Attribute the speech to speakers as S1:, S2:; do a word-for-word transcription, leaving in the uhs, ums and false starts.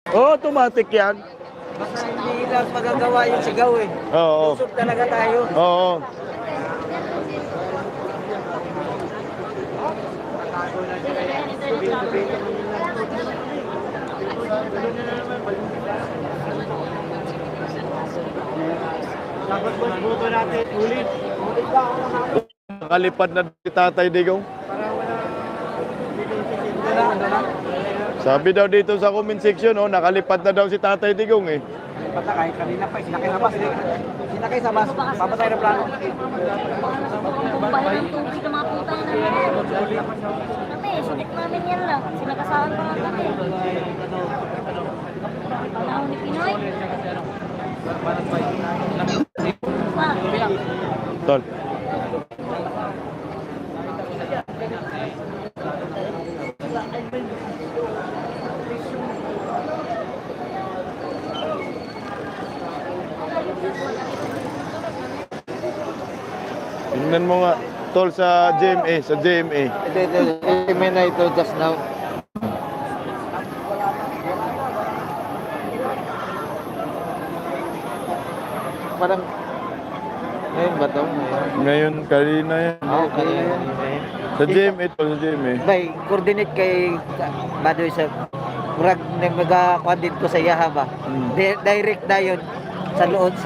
S1: Oo, automatic yan.
S2: Basta hindi lang magagawa yung sigaw eh.
S1: Oo.
S2: Lusog talaga tayo.
S1: Oo.
S2: Dapat buto natin ulit. Ulit ba ako naman?
S1: Nakalipad na si Tatay Digong.
S2: Para wala. Dito na, ano na?
S1: Sabi daw dito sa comment section, oh, nakalipad na daw si Tatay Digong eh.
S2: Patakay, kanina pa, sinakay sa bus. Sinakay sa bus, papatay na plano.
S3: Bahay ng tubig ng mga putang na yan. Kami, sulit namin yan lang. Sinagasahan pa lang kami. Panahon ni Pinoy. Pa.
S1: Tol. Tingnan mo nga, tol, sa J M A, sa J M A.
S2: Ito, ito, ito, na ito just now. Parang, ngayon ba ito?
S1: Ngayon, kanina yan.
S2: Ah, okay.
S1: Sa J M A, tol, sa J M A.
S2: Bay, coordinate kay Badoy sa murag na magakuan dito sa Yaha ba.
S1: Mm.
S2: Di- direct na yun sa loob sa